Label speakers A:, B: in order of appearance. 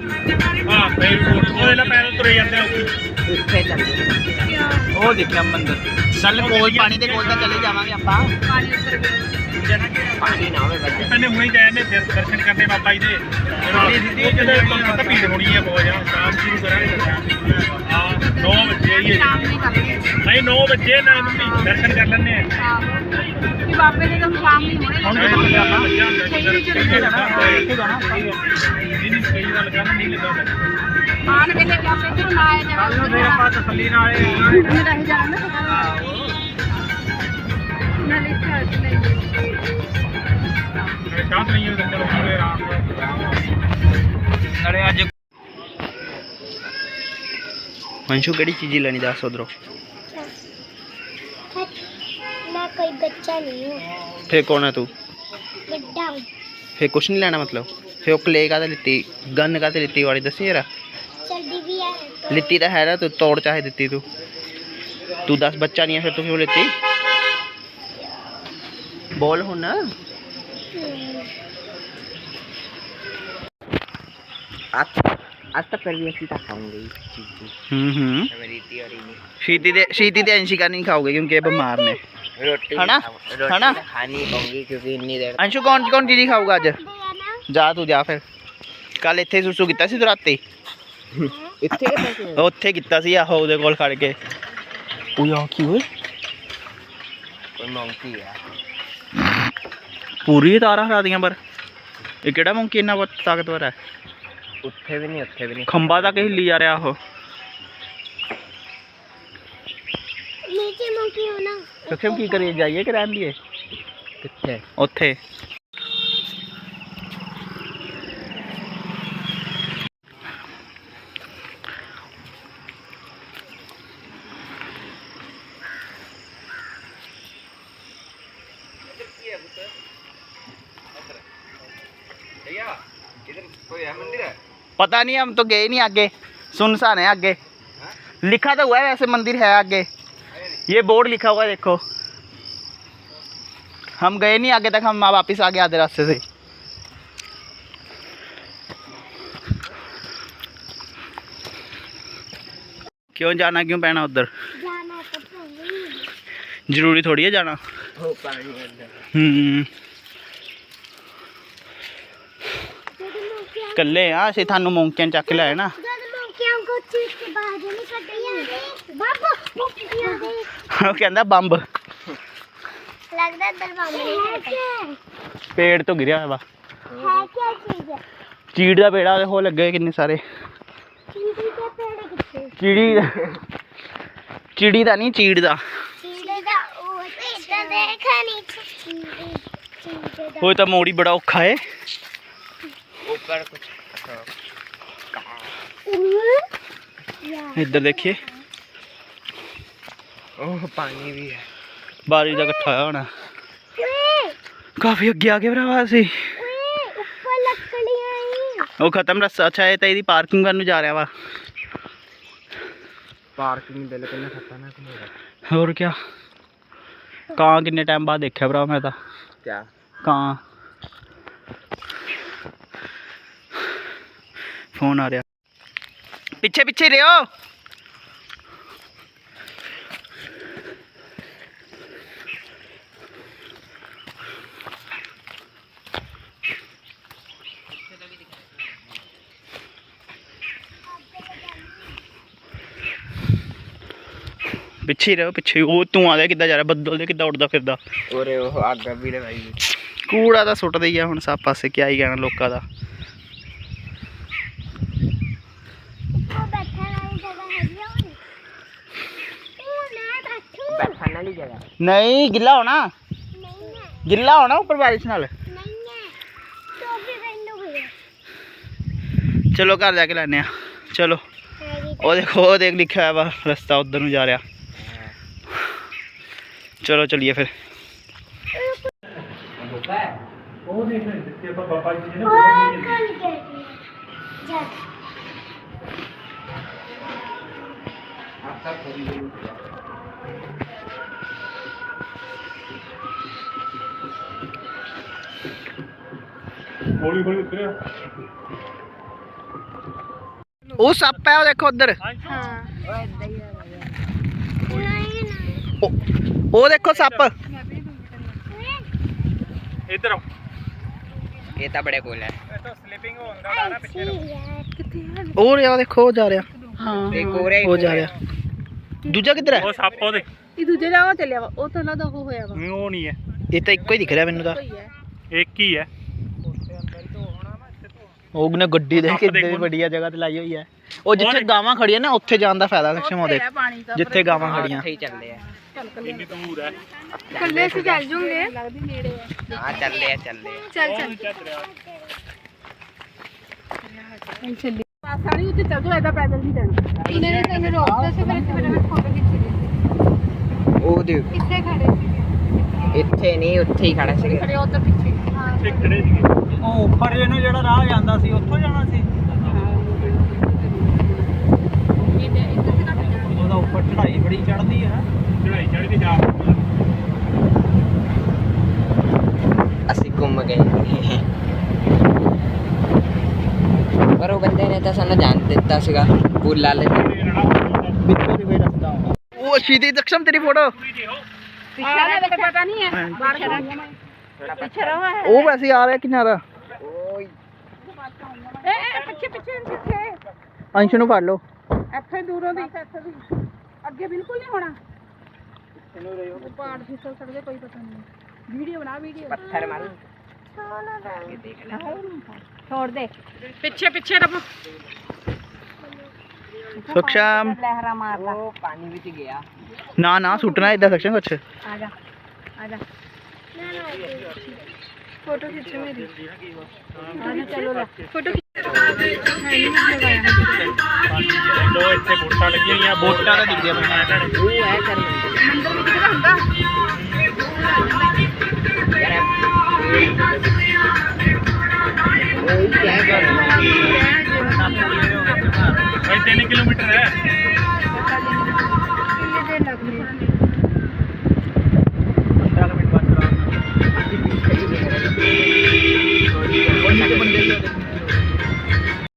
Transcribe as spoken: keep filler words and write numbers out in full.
A: हाँ पैर तुरे जाते हैं
B: ਉਹ ਦੇਖਿਆ ਮੰਦਰ ਚੱਲ ਕੋਲ ਪਾਣੀ ਦੇ ਕੋਲ ਤਾਂ ਚਲੇ ਜਾਵਾਂਗੇ ਆਪਾਂ ਪਾਣੀ ਨਾ ਹੋਵੇ ਬੱਚੇ
A: ਪਹਿਲੇ ਹੁਣੇ ਗਏ ਨੇ ਫਿਰ ਦਰਸ਼ਨ ਕਰਨੇ ਬਾਬਾ ਜੀ ਦੇ ਸਿੱਧੀ ਜਦੋਂ ਤੁਹਾਨੂੰ ਪਤਾ ਭੀੜ ਹੋਣੀ ਹੈ ਬਹੁਤ ਜ਼ਿਆਦਾ ਸ਼ਾਮ ਸ਼ੁਰੂ ਕਰਾਂਗੇ ਹਾਂ ਨੌ ਵਜੇ ਆਈਏ ਨਹੀਂ ਨੌ ਵਜੇ ਨਾ ਮੰਮੀ ਦਰਸ਼ਨ ਕਰ ਲੈਣੇ ਆ
C: ਕਿ ਬਾਬੇ ਦੇ ਕੰਮ ਸ਼ਾਮ ਨਹੀਂ ਹੋਣੇ
A: ਹੁਣ ਕਿੱਥੇ ਆਪਾਂ ਇੱਥੇ ਜਾਣਾ ਇੱਥੇ ਜਾਣਾ ਨਹੀਂ ਕਈ ਵਾਰ ਲਗਾਣਾ ਨਹੀਂ ਲੱਗਾ
C: ਆਣ ਕੇ ਲੈ ਕੇ ਆਪੇ ਇੱਧਰੋਂ ਨਾ ਆਇਆ ਜਾਵੇ
A: ਫਿਰ ਆਪਾਂ ਤਸੱਲੀ ਨਾਲ
C: ਰਹਿ ਜਾਣਾ ਨਾ ਨਾਲੇ ਚਾਹ ਨਹੀਂ
A: ਸ਼ਾਂਤ ਨਹੀਂ ਹੈ ਚਲੋ ਪੂਰੇ ਆਰਾਮ
B: ਨਾਲੇ ਅੱਜ ਅੰਸ਼ੂ ਕਿਹੜੀ ਚੀਜ਼ ਲੈਣੀ ਦੱਸ ਉਧਰੋਂ
D: मैं कोई बच्चा नहीं हूँ
B: फिर कौन है तू
D: बड़ा हूँ
B: फिर कुछ नहीं लेना मतलब फिर वो क्ले का लित्ती गन का लित्ती वाली दसी जरा
D: चलती भी है
B: लित्ती तो है ना तू तोड़ चाहे दित्ती तू तू दस बच्चा नहीं है फिर तू क्यों लित्ती बोल हूं ना आज आज तक फिर भी ऐसी तक खाऊंगी हम्म हम्म शीती दे शीती दे अंशिका नहीं खाओगे क्योंकि ये बीमार ने
D: रोटी
B: है ना है ना
D: खानी पड़ेगी क्योंकि इतनी देर
B: अंशु कौन कौन चीज़ खाऊगा अज जा तू जा फिर कल इत्थे सुसु कीता सी तू राती
D: इतने के पैसे
B: उत्थे कीता सी आहो उहदे कोल खड़ के ओ यार की होए
D: कोई मंकी है
B: पूरी तारा हरा दियां पर ये केड़ा मंकी इन्ना ताकतवर है
D: उत्थे भी नहीं उत्थे भी नहीं
B: खंबा तक हिली जा रहा हो
D: नीचे मंकी हो ना
B: सक्षम की करिए जाइए कि रहन दिए
D: कितने
B: उत्थे पता नहीं हम तो गए नहीं आगे सुनसान है आगे लिखा तो हुआ है वैसे मंदिर है आगे ये बोर्ड लिखा हुआ है देखो हम गए नहीं आगे तक हम वापस आ गए आधे रास्ते से क्यों जाना क्यों पैना उधर
D: जाना तो पड़ेगा
B: जरूरी थोड़ी है जाना
D: हो पानी अंदर
B: हम्म कल्ले हाँ असं थानू मौंकियां चक के लाए ना
D: जब मंकियों को चीज के बाहर नहीं कटिया बाबू मंकियों दे
B: वो कहता बंब
D: लगता है दरबार में है
B: पेड़ तो गिरा है वा
D: क्या चीज है
B: चीड़ का पेड़ा हो लगे किन्ने सारे
D: चीड़ी के पेड़ कितने
B: चिड़ी चिड़ी का नहीं चीड़ का
D: चीड़ी का वो इतना देखा नहीं चीड़ी चीड़ी का
B: वो तो मोड़ी बड़ा औखा है
D: ऊपर कुछ
B: इधर देखिए
D: ओह पानी भी है
B: बारिश का इकट्ठा होना काफी अगे आ गए भरावा से
D: ऊपर लकड़ियां
B: वो खत्म रस्ता अच्छा है तो पार्किंग करने जा रहा वा
D: पार्किंग दिल किन्ने खतरनाक मेरा
B: और क्या कहाँ किन्ने टाइम बाद देखा भरा मैं तो
D: क्या
B: कहाँ फोन आ रहा पीछे पीछे रहो पिछे रहो पिछे वो धुआं दे किदा जा रहा बदल दे किदा उड़दा फिरदा
D: और वो आग भी लगाई
B: कूड़ा तो सुटदा ही है हुण सब पासे क्या ही कहना लोकां दा
D: बैठने वाली जगह
B: नहीं गिला होना
D: नहीं है
B: गिला होना ऊपर बारिश नाल
D: नहीं है तो भी बंद हो गया
B: चलो घर जाके लाने आ चलो वो देखो वो देख लिखा है वा रास्ता उधर नूं जा रहा चलो चलिए फिर
A: हौली हौली उतरिया
B: ਉਹ ਸੱਪ ਹੈ ਉਹ ਦੇਖੋ ਉਧਰ
C: ਹਾਂ
B: ਉਹ ਉਹ ਦੇਖੋ ਸੱਪ
A: ਇੱਧਰ ਆਓ
B: ਇਹ ਤਾਂ ਬੜੇ ਕੋਲ ਹੈ
A: ਇਹ ਤਾਂ ਸਲਿਪਿੰਗ ਹੁੰਦਾ ਨਾ ਪਿੱਛੇ ਨੂੰ
B: ਉਹ ਰਿਹਾ ਦੇਖੋ ਉਹ ਜਾ ਰਿਹਾ
C: ਹਾਂ
B: ਉਹ ਜਾ ਰਿਹਾ ਦੂਜਾ ਕਿੱਧਰ ਹੈ
A: ਉਹ ਸੱਪ ਉਹਦੇ
C: ਇਹ ਦੂਜੇ ਦਾ ਉਹ ਚੱਲਿਆ ਵਾ ਉਹ ਤਾਂ ਨਾ ਦਾ ਉਹ ਹੋਇਆ ਵਾ
A: ਉਹ ਨਹੀਂ ਹੈ
B: ਇਹ ਤਾਂ ਇੱਕੋ ਹੀ ਦਿਖ ਰਿਹਾ ਮੈਨੂੰ ਤਾਂ
C: ਕੋਈ ਹੈ
A: ਇੱਕ ਹੀ ਹੈ
B: ਉਹਨੇ ਗੱਡੀ ਦੇਖ ਕੇ ਕਿੰਨੀ ਵੱਡੀਆ ਜਗ੍ਹਾ ਤੇ ਲਾਈ ਹੋਈ ਹੈ ਉਹ ਜਿੱਥੇ ਗਾਵਾਂ ਖੜੀਆਂ ਨਾ ਉੱਥੇ ਜਾਣ ਦਾ ਫਾਇਦਾ ਲక్ష్ਮ ਉਹਦੇ
C: ਪਾਣੀ ਦਾ
B: ਜਿੱਥੇ ਗਾਵਾਂ ਖੜੀਆਂ
C: ਚੱਲ
A: ਇੰਨੀ ਦੂਰ ਹੈ
C: ਕੱਲੇ ਸੀ ਚੱਲ ਜੂਗੇ ਲੱਗਦੀ ਨੇੜੇ ਆ
B: ਹਾਂ ਚੱਲੇ ਆ ਚੱਲੇ
C: ਚੱਲ ਚੱਲ ਚੱਲੀ ਪਾਸਾ ਨਹੀਂ ਉੱਤੇ ਚੱਲ ਜਾਓ ਇਹਦਾ ਪੈਦਲ ਨਹੀਂ ਜਾਣਾ ਇਹਨੇ ਨੇ ਤੈਨੂੰ ਰੋਕਦਾ ਸੀ ਫਿਰ ਇੱਥੇ ਮੇਰੇ ਫੋਟੋ ਖਿੱਚੀ ਲਈ
B: ਉਹ ਦੇ
C: ਕਿੱਥੇ ਖੜੇ ਸੀ
B: ਇੱਥੇ ਨਹੀਂ ਉੱਥੇ ਹੀ ਖੜਾ ਸੀ
C: ਖੜੇ ਉੱਧਰ ਪਿੱਛੇ ਹਾਂ
A: ਇੱਕ ਖੜੇ ਸੀਗੇ
B: ਉਹ ਉੱਪਰ ਇਹਨੂੰ ਜਿਹੜਾ ਰਾਹ ਜਾਂਦਾ ਸੀ ਉੱਥੋਂ ਜਾਣਾ ਸੀ
C: ਇਹਦੇ ਇੱਥੇ ਤੇ ਕੱਟ ਜਾਣਾ
B: ਉਹਦਾ ਉੱਪਰ ਚੜਾਈ ਬੜੀ ਚੜਦੀ ਹੈ
A: ਚੜਾਈ ਚੜ ਕੇ ਜਾ
E: ਅਸੀਂ ਘੁੰਮ ਗਏ ਪਰ ਉਹ ਬੰਦੇ ਨੇ ਤਾਂ ਸਾਨੂੰ ਜਾਣ ਦਿੱਤਾ ਸੀਗਾ ਪੁੱਲ ਵਾਲੇ
B: ਵਿੱਚੋਂ ਦੀ ਕੋਈ ਰਸਤਾ ਉਹ ਸ਼ੀਦੀ ਦਕਸ਼ਮ ਤੇਰੀ ਫੋਟੋ
C: ਪਿੱਛੇ ਦਾ ਤਾਂ ਪਤਾ ਨਹੀਂ ਹੈ ਬਾਹਰ ਖੜਾ ਪਿੱਛੇ ਰਹਾ ਹੈ
B: ਉਹ ਵੈਸੇ ਆ ਰਿਹਾ ਕਿਨਾਰਾ
C: ਏ ਏ ਪਿੱਛੇ ਪਿੱਛੇ ਪਿੱਛੇ
B: ਅੰਸ਼ ਨੂੰ ਫੜ ਲਓ
C: ਇੱਥੇ ਦੂਰੋਂ ਦੀ ਇੱਥੇ ਦੀ ਅੱਗੇ ਬਿਲਕੁਲ ਨਹੀਂ ਹੋਣਾ ਉਹ ਪਹਾੜ ਫਿਸਲ ਸਕਦੇ ਕੋਈ ਪਤਾ ਨਹੀਂ ਵੀਡੀਓ ਬਣਾ ਵੀਡੀਓ
E: ਪੱਥਰ ਮਾਰ
C: ਛੋੜ ਦੇ ਪਿੱਛੇ ਪਿੱਛੇ ਰੱਬ
B: ਸਖਸ਼ਮ
C: ਲਹਿਰਾ ਮਾਰਦਾ
E: ਉਹ ਪਾਣੀ ਵਿੱਚ ਗਿਆ
B: ਨਾ ਨਾ ਸੁੱਟਣਾ ਇਦਾਂ ਸਖਸ਼ਮ ਕੁਛ
C: ਆ ਜਾ ਆ ਜਾ ਫੋਟੋ ਖਿੱਚ ਮੇਰੀ ਆ ਜਾ ਚਲੋ ਲੈ ਫੋਟੋ ਖਿੱਚ ਨਹੀਂ ਲਗਾਇਆ
A: ਦੋ ਇੱਥੇ ਬੋਟਾਂ ਲੱਗੀਆਂ ਹੋਈਆਂ
B: ਬੋਟਾਂ ਤਾਂ ਦਿਖਦੀਆਂ ਪਈਆਂ
E: ਉਹ ਹੈ ਕਰ
C: ਮੰਦਰ ਵਿੱਚ ਹੁੰਦਾ